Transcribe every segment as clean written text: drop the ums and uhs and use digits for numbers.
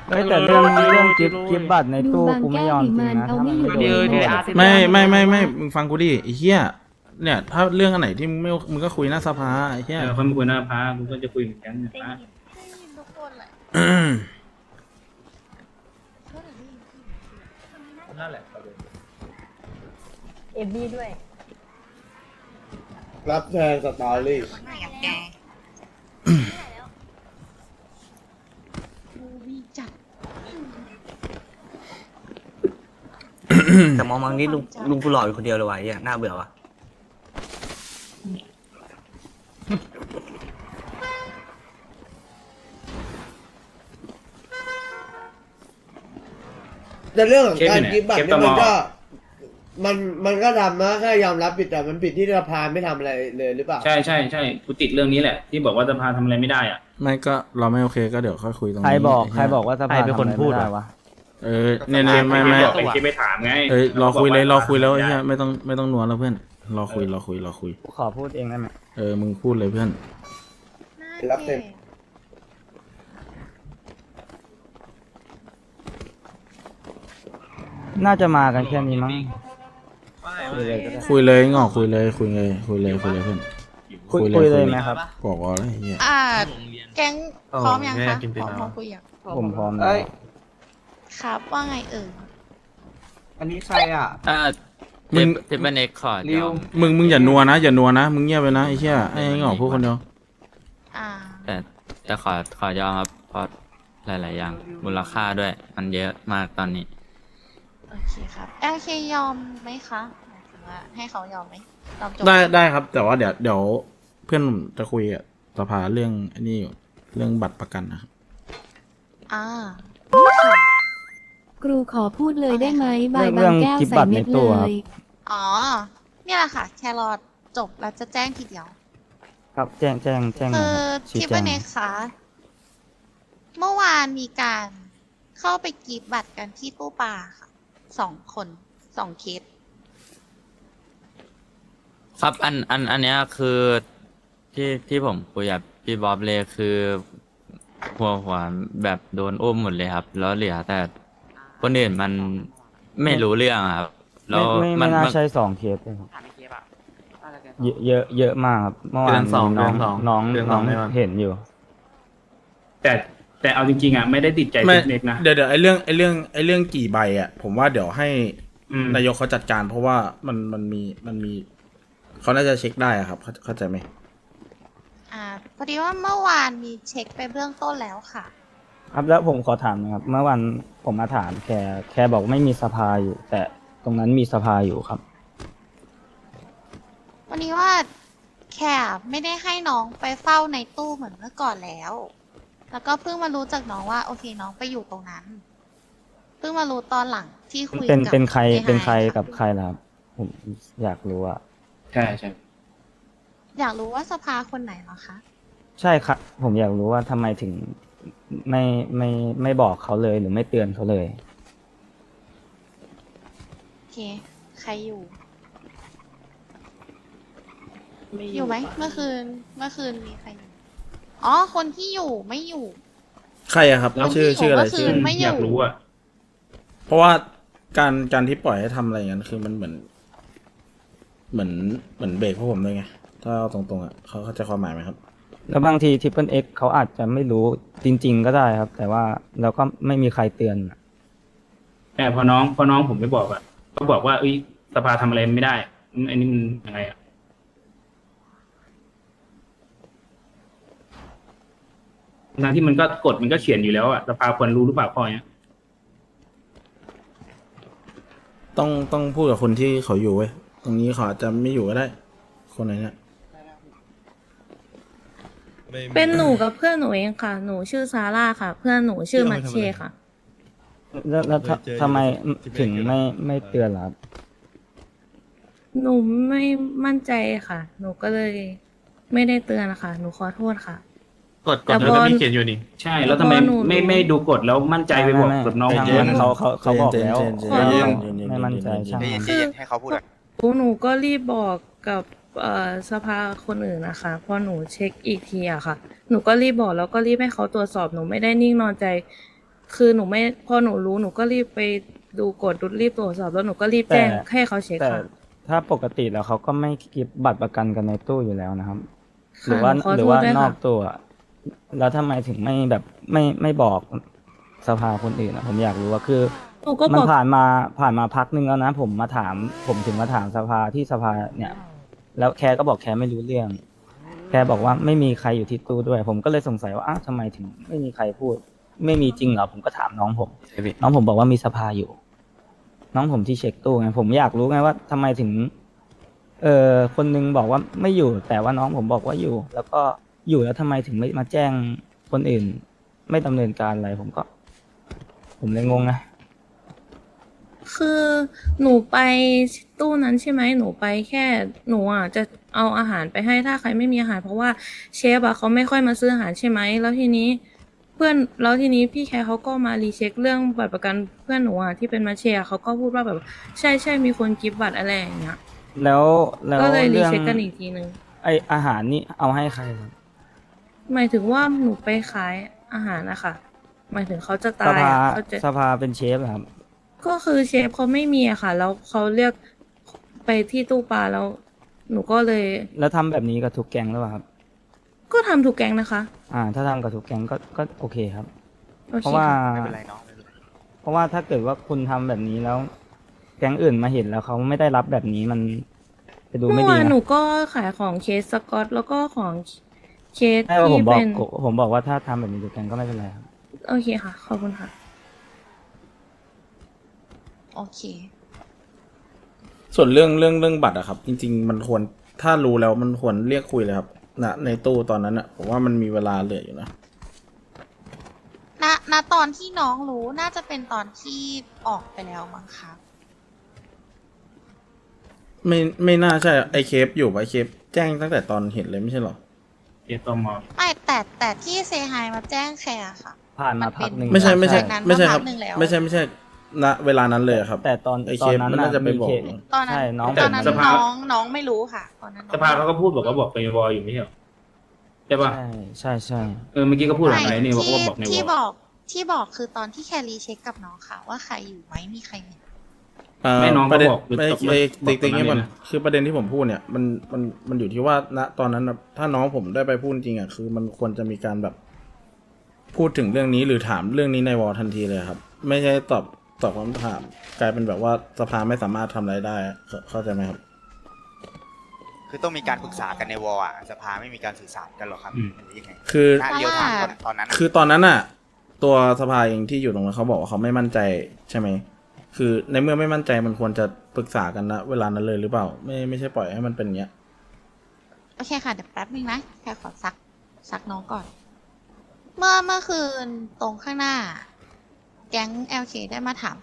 เฮ้ยแต่เรื่องกิฟต์บัตรในตู้กูไม่ยอมจริงนะถ้ามันไม่โดนโทษไม่มึงฟังกูดิไอ้เหี้ยเนี่ยถ้าเรื่องอันไหนที่มึงไม่มึงก็คุยหน้าสภาไอ้เหี้ยค่อยมาคุยหน้าพากูก็จะคุยเหมือนกันนะพาทุกคนแหละนั่นแหละประเด็นเอฟบีด้วยรับแทนสตอรี่ไหนกับแกวีจัดแต่มองนี่ลุงกูหล่ออยู่คนเดียวเลยวะไอ้เนี่ยน่าเบื่อวะแต่เรื่องของการกิฟต์บัตรเนี่ยมันก็ทำนะแค่ยอมรับผิดแต่มันผิดที่สภาไม่ทำอะไรเลยหรือเปล่าใช่กูติดเรื่องนี้แหละที่บอกว่าสภาทำอะไรไม่ได้อ่ะไม่ก็เราไม่โอเคก็เดี๋ยวค่อยคุยตรงนี้ใครบอกว่าสภาเป็นคนพูดวะเนี่ยไม่เป็นที่ไปถามไงเอ้ยรอคุยแล้วไอ้เหี้ยไม่ต้องนัวแล้วเพื่อนรอคุยขอพูดเองได้ไหมมึงพูดเลยเพื่อนรับเต็มน่าจะมากันแค่นี้มั้งคุยเลยงอกคุยเลยเพื่อนคุยเลยไหมครับบอกว่าอะไรเหี้ยแก๊งพร้อมยังคะพร้อมคุยยังผมพร้อมครับว่าไงอันนี้ใครอ่ะมึงเทปเน็กขอริวมึงอย่านัวนะมึงเงียบไปนะไอ้เหี้ยไอ้งอกพูดคนเดียวอ่าแต่ขอยอมครับเพราะหลาย ๆ อย่างมูลค่าด้วยมันเยอะมากตอนนี้โอเคครับโอเคยอมไหมคะหมายถึงว่าให้เขายอมไหมยอมจบได้ครับ แต่ว่าเดี๋ยวเพื่อนผมจะคุยกับสภาเรื่องอันนี้อยู่เรื่องบัตรประกันนะครับอ่าครูขอพูดเลยได้ไหมบายเรื่บาอง งแก้วกิฟต์ใส่บัตรเม็ในดตู้เลครับยอ๋อเนี่ยแหละค่ะ แครอทจบแล้วจะแจ้งทีเดียวครับแจ้งหคืน่อยอครับชี้ทิปแจงเน็กคะเมื่อวานมีการเข้าไปกรีบบัตรกันที่ตู้ปลาค่ะ2 เคสครับอันเนี้ยคือที่ผมคุยกับพี่บ๊อบเลยคือหัวแบบโดนอุ้มหมดเลยครับ แล้วเหลือแต่คนอื่นมันไม่รู้เรื่องอะครับแล้วไม่น่าใช่2 เคสเลยครับเยอะมากครับเมื่อวานน้องเห็นอยู่แต่เอาจริงๆอ่ะไม่ได้ติดใจไม่เทคนิคนะเดี๋ยวไอ้เรื่องกี่ใบอ่ะผมว่าเดี๋ยวให้อืมนายกเขาจัดการ เพราะว่ามันมีเขาน่าจะเช็คได้อะครับเข้าใจไหมพอดีว่าเมื่อวานมีเช็คไปเบื้องต้นแล้วค่ะครับแล้วผมขอถามนะครับเมื่อวันผมมาถามแค่บอกไม่มีสภาอยู่ แต่ตรงนั้นมีสภาอยู่ครับวันนี้ว่าแคร์ไม่ได้ให้น้องไปเฝ้าในตู้เหมือนเมื่อก่อนแล้ว แล้วก็เพิ่งมารู้จากน้องว่าโอเคน้องไปอยู่ตรงนั้น เพิ่งมารู้ตอนหลังที่คุยกับเป็นใครไฮเป็นใครค่ะกับใครล่ะครับผมอยากรู้อะใช่อยากรู้ว่าสภาคนไหนเหรอคะใช่ครับผมอยากรู้ว่าทำไมถึงไม่บอกเขาเลยหรือไม่เตือนเขาเลยโอเค ใครอยู่ อยู่ไหมเมื่อคืนมีใครอยู่ อ๋อ คนที่อยู่ไม่อยู่ใครอะครับแล้วชื่ออะไรที่ชื่อผมก็คือ ไม่อยู่อยากรู้อ่ะเพราะว่าการที่ปล่อยให้ทำอะไรอย่างนั้นคือมันเหมือนเบรกพวกผมด้วยไงถ้าเอาตรงๆอ่ะเขาเข้าใจความหมายไหมครับแล้วบางทีทิปเปิลเอ็กเขาอาจจะไม่รู้จริง ๆ ก็ได้ครับ แต่ว่าเราก็ไม่มีใครเตือนอะแต่พอน้องผมไม่บอกอ่ะก็บอกว่าสภาทำอะไรไม่ได้อันนี้มันยังไงอ่ะทั้งที่มันก็กฎมันก็เขียนอยู่แล้วอ่ะสภาควรรู้หรือเปล่าข้อเนี้ยต้องพูดกับคนที่เขาอยู่เว้ยตรงนี้เขาอาจจะไม่อยู่ก็ได้ คนไหนเนี่ยเป็นหนูกับเพื่อนหนูเองค่ะ หนูชื่อซาร่าค่ะ เพื่อนหนูชื่อมัชเช่ค่ะแล้วทำไมถึงไม่เตือนล่ะครับหนูไม่มั่นใจค่ะ หนูก็เลยไม่ได้เตือนค่ะ หนูขอโทษค่ะกดแต่แล้วพอก็มีเขียนอยู่นี่ใช่ แล้วทำไมพอหนูไม่ดูกฎแล้วมั่นใจไปบอกกับน้องทางเพื่อนนั้นเขาบอกแล้วเย็นไม่มั่นใจช่างมันคือหนูก็รีบบอกกับสภาคนอื่นนะคะพอหนูเช็คอีกทีอะค่ะ หนูก็รีบบอกแล้วก็รีบให้เขาตรวจสอบหนูไม่ได้นิ่งนอนใจคือหนูไม่พอหนูรู้หนูก็รีบไปดูกดรีบตรวจสอบแล้วหนูก็รีบแจ้งให้เขาเช็คแต่ค่ะถ้าปกติแล้วเขาก็ไม่เก็บบัตรประกันกันในตู้อยู่แล้วนะครับค่ะหรือว่าหนูขอหรืโทอษว่าด้วยนอกค่ะตัว แล้วทำไมถึงไม่แบบไม่บอกสภาคนอื่นอะผมอยากรู้ว่าคือหนูก็มับนอกผ่านมาพักนึงแล้วนะผมถึงมาถามสภาที่สภาเนี่ย แล้วแคก็บอกแคไม่รู้เรื่อง แคบอกว่าไม่มีใครอยู่ที่ตู้ด้วย ผมก็เลยสงสัยว่าอ้าวทำไมถึงไม่มีใครพูด ไม่มีจริงเหรอผมก็ถามน้องผม น้องผมบอกว่ามีสภาอยู่ น้องผมที่เช็คตู้ไงผมอยากรู้ไงว่าทำไมถึง คนนึงบอกว่าไม่อยู่ แต่ว่าน้องผมบอกว่าอยู่ แล้วก็อยู่แล้วทำไมถึงไม่มาแจ้งคนอื่น ไม่ดำเนินการอะไรผมเลยงงนะคือหนูไปตู้นั้นใช่ไหมหนูไปแค่หนูอ่ะจะเอาอาหารไปให้ถ้าใครไม่มีอาหาร เพราะว่าเชฟอ่ะเขาไม่ค่อยมาซื้ออาหารใช่ไหมแล้วทีนี้พี่แคร์เขาก็มารีเช็คเรื่องบัตรประกันเพื่อนหนูอ่ะที่เป็นมาเชียร์เขาก็พูดว่าแบบใช่มีคนกิฟต์บัตรอะไรอย่างเงี้ยแล้วก็เลยรีเรื่องเช็คกันอีกทีนึงไออาหารนี่เอาให้ใครครับหมายถึงว่าหนูไปขายอาหารนะคะหมายถึงเขาจะสตายภาอะเขาจะสภาเป็นเชฟเหรอครับก็คือเชฟเขาไม่มีอะค่ะ แล้วเขาเรียกไปที่ตู้ปลาแล้ว หนูก็เลยแล้วทำแบบนี้กับทุกแก๊งหรือเปล่าครับก็ทำถูกแกงนะคะถ้าทำกับทุกแก๊งก็โอเคครับโอเพเคราะว่าค่ะไม่เป็นไรน้องไม่เป็นไรเพราะว่าถ้าเกิดว่าคุณทำแบบนี้แล้ว แก๊งอื่นมาเห็นแล้วเขาไม่ได้รับแบบนี้มันจะดูเมื่ไม่อดีวานนะหนูก็ขายของเคสสกอตแล้วก็ของเคสใช่ว่าผที่มบอกเป็นผมบอกว่าถ้าทำแบบนี้ทุกแก๊งก็ไม่เป็นไรครับโอเคค่ะ ขอบคุณค่ะโอเคส่วนเรื่องบัตรอะครับ จริง ๆ มันควรถ้ารู้แล้วมันควรเรียกคุยเลยครับในตู้ตอนนั้นอะผมว่ามันมีเวลาเหลืออยู่นะณตอนที่น้องรู้น่าจะเป็นตอนที่ออกไปแล้วมั้งคะไม่น่าใช่ไอเคฟอยู่ปะไอเคฟแจ้งตั้งแต่ตอนเห็นเลยไม่ใช่หรอเอตมไม่แต่ที่เซฮายมาแจ้งแคร์ค่ะผ่านมาพักหนึ่งไม่ใช่หลังจากนั้นไม่ใช่มาคพัรับกหนึ่งแล้วไม่ใช่ณเวลานั้นเลยอะครับแต่ตอนไอตเคอนฟนั้นมันน่าจะไปบอกมีเคสตอนนั้นใช่น้องตอนนั้นสภาน้องไม่รู้ค่ะ ตอนนั้นน้องสภาเขาก็พูดบอกว่าบอกในวอลอยู่ไม่ใช่เหรอใช่ป่ะใช่เมื่อกี้ก็พูดหลังไม่ไหนนี่บอกว่าบอกในวที่อลที่บอกคือตอนที่แครีเช็คกับน้องค่ะ ว่าใครอยู่ไหมมีใครเห็นไม่น้องปก็ระเด็นบอกหรือไม่ตกไอบอกตรงติ๊กนั้นๆนี่มันเลยนะคือประเด็นที่ผมพูดเนี่ยมันอยู่ที่ว่าณตอนนั้นน่ะถ้าน้องผมได้ไปพูดจริงอะคือมันควรจะมีการแบบพูดถึงเรื่องนี้หรือถามเรื่องนี้ในวอลทันทีเลยครับ ไม่ใช่ตอบคำถามกลายเป็นแบบว่าสภาไม่สามารถทำอะไรได้เข้าใจไหมครับคือต้องมีการปรึกษากันในวอลอ่ะสภาไม่มีการสื่อสารกันหรอครับหรือยังไงคือณเดียวถามตอนนั้นอะคือตอนนั้นน่ะ ตัวสภาเองที่อยู่ตรงนั้นเขาบอกว่าเขาไม่มั่นใจใช่ไหมคือในเมื่อไม่มั่นใจมันควรจะปรึกษากันนะเวลานั้นเลยหรือเปล่า ไม่ใช่ปล่อยให้มันเป็นอย่างเงี้ยโอเคค่ะ เดี๋ยวแป๊บนึงนะแค่ขอซักน้องก่อน เมื่อคืนตรงข้างหน้า แก๊ง LK ได้มาถามไหม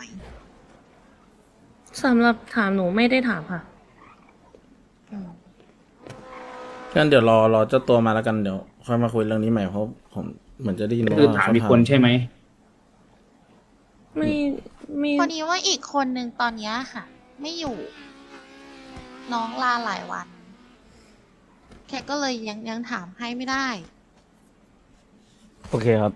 สำหรับถามหนูไม่ได้ถามค่ะอืมงั้นเดี๋ยวรอเจ้าตัวมาแล้วกันเดี๋ยวค่อยมาคุยเรื่องนี้ใหม่เพราะผมเหมือนจะได้ยินคือถามอีกคนใช่ไหมไม่พอดีว่าอีกคนนึงตอนเนี้ยค่ะ ไม่อยู่ น้องลาหลายวัน แค่ก็เลยยังถามให้ไม่ได้โอเคครับ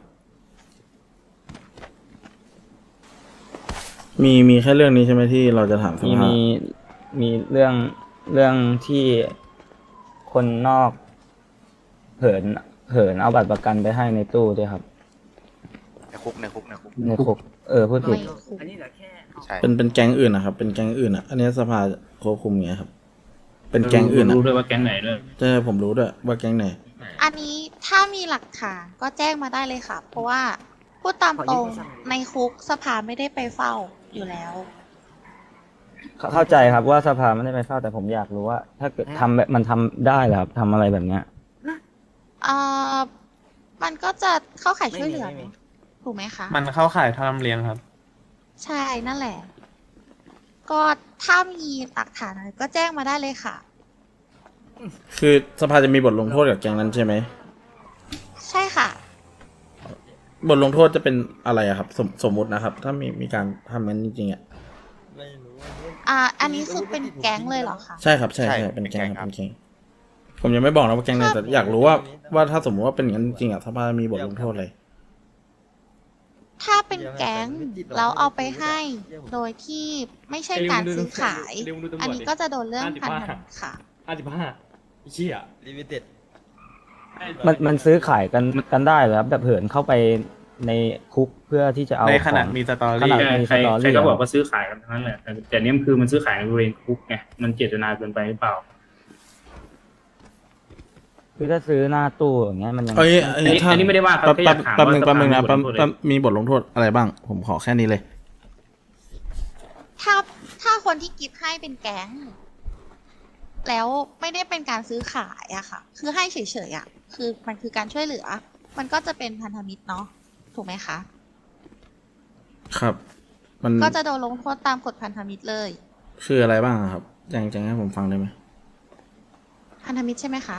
มีแค่เรื่องนี้ใช่ไหมที่เราจะถามสมีภามีเรื่องที่คนนอกเหินเอาบัตรประกันไปให้ในตู้ด้วยครับในคุกในคุกพูดผิดอันนี้เหลือแค่ใช่เป็นแก๊งอื่นนะครับเป็นแก๊งอื่นอ่ะอันนี้สภาควบคุมไงครับ เป็นแก๊งอื่นอ่ะรู้ด้วยว่าแก๊งไหนด้วยใช่ผมรู้ด้วยว่าแก๊งไหนอันนี้ถ้ามีหลักฐานก็แจ้งมาได้เลยค่ะ เพราะว่าพูดตามตรงในคุกสภาไม่ได้ไปเฝ้าอยู่แล้วเข้าใจครับว่าสภาไม่ได้ไปเฝ้าแต่ผมอยากรู้ว่า ถ้าเกิดทำแบบมันทำได้เหรอครับทำอะไรแบบเนี้ยมันก็จะเข้าข่ายช่วยเหลือเนอะถูกไหมคะมันเข้าข่ายทำเลี้ยงครับใช่นั่นแหละ ก็ถ้ามีหลักฐานอะไรก็แจ้งมาได้เลยค่ะคือสภาจะมีบทลงโทษกับแก๊งนั้นใช่ไหมใช่ค่ะบทลงโทษจะเป็นอะไรอะครับ สมมุตินะครับ ถ้ามีการทำนั้นจริงๆอะอันนี้คือเป็นแก๊งเลยเหรอคะใช่ครับใช่เป็นแก๊งครับเป็นแก๊งผมยังไม่บอกนะว่าแก๊งไหนแต่อยากรู้ว่าถ้าสมมติว่าเป็นอย่างนั้นจริงๆอะสภามีบทลงโทษอะไรถ้าเป็นแก๊งแล้วเอาไปให้โดยที่ไม่ใช่การซื้อขาย อันนี้ก็จะโดนเรื่องพันธมิตรค่ะเชี่ยลิมิเต็ดมันซื้อขายกันได้เหรอครับแบบเหินเข้าไปในคุกเพื่อที่จะเอาในขณะของมีสตอขรี่นาดมีใครสตอใครรี่ก็บอกว่าซื้อขายกันทั้งนั้นแหละแต่เนี้ยคือมันซื้อขายในบริเวณคุกไงมันเจตนาเกินไปหรือเปล่าคือถ้าซื้อหน้าตู้อย่างเงี้ยมันยังเอ้ยอันนี้ไม่ได้ว่าครับแค่อยากถามแป๊บนึงว่าแป๊บนึงนะสภาแป๊บมีบทลงโทษแป๊บมีบทลงโทษอะไรบ้าง ผมขอแค่นี้เลยถ้าคนที่กิฟต์ให้เป็นแก๊ง แล้วไม่ได้เป็นการซื้อขายอะค่ะ คือให้เฉยๆอะคือมันคือการช่วยเหลือ มันก็จะเป็นพันธมิตรเนาะถูกไหมคะครับ มันก็จะโดนลงโทษตามกฎพันธมิตรเลยคืออะไรบ้างอะครับยังให้ผมฟังได้ไหมพันธมิตรใช่ไหมคะ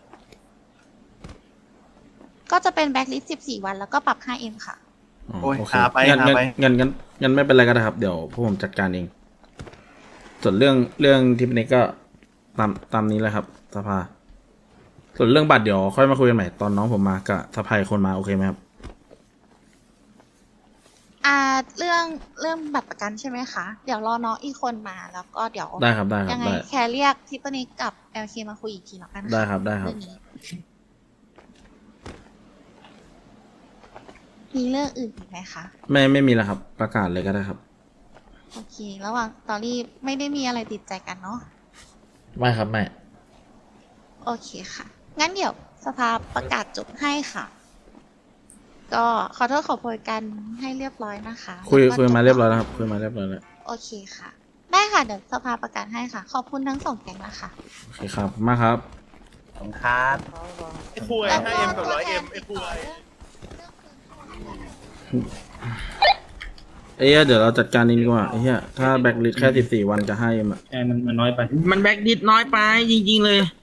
ก็จะเป็นแบ็คลิสต์14 วันแล้วก็ปรับ 5M ค่ะอ๋อโอ้ยโอเคหาไปงั้นหาไปงั้นไม่เป็นไรก็ได้ครับ เดี๋ยวพวกผมจัดการเอง ส่วนเรื่องทิปนี้ก็ตามนี้แหละครับสภา ส่วนเรื่องบัตรเดี๋ยวค่อยมาคุยกันใหม่ตอนน้องผมมากับสภาอีกคนมาโอเคไหมครับเรื่องบัตรประกันใช่ไหมคะ เดี๋ยวรอน้องอีกคนมาแล้วก็เดี๋ยวได้ครับได้ครับยังไงได้แคร์เรียกทิปนิกกับ LK มาคุยอีกทีแล้วกันค่ะได้ครับได้ครับเรื่องนี้มีเรื่องอื่นอีกไหมคะไม่มีแล้วครับ ประกาศเลยก็ได้ครับโอเค ระหว่างตอรี่ไม่ได้มีอะไรติดใจกันเนาะไม่ครับไม่โอเคค่ะ งั้นเดี๋ยวสภาประกาศจบให้ค่ะ ก็ขอโทษขอโพยกันให้เรียบร้อยนะคะคุยแล้วก็มาเรียบร้อยแล้วครับคุยมาเรียบร้อยแล้วโอเคค่ะ ได้ค่ะ เดี๋ยวสภาประกาศให้ค่ะ ขอบคุณทั้งสองแก๊งนะคะโอเคครับขอบคุณมากครับผมครับไอ้คุย 5M กับ 100M ไอ้คุยเอ้ยเดี๋ยวเราจัดการเองดีกว่าไอ้เหี้ยถ้าแบ็คลิสแค่14 วันจะให้เอ็มอะใช่มันน้อยไปมันแบ็กดิดน้อยไปจริงๆเลย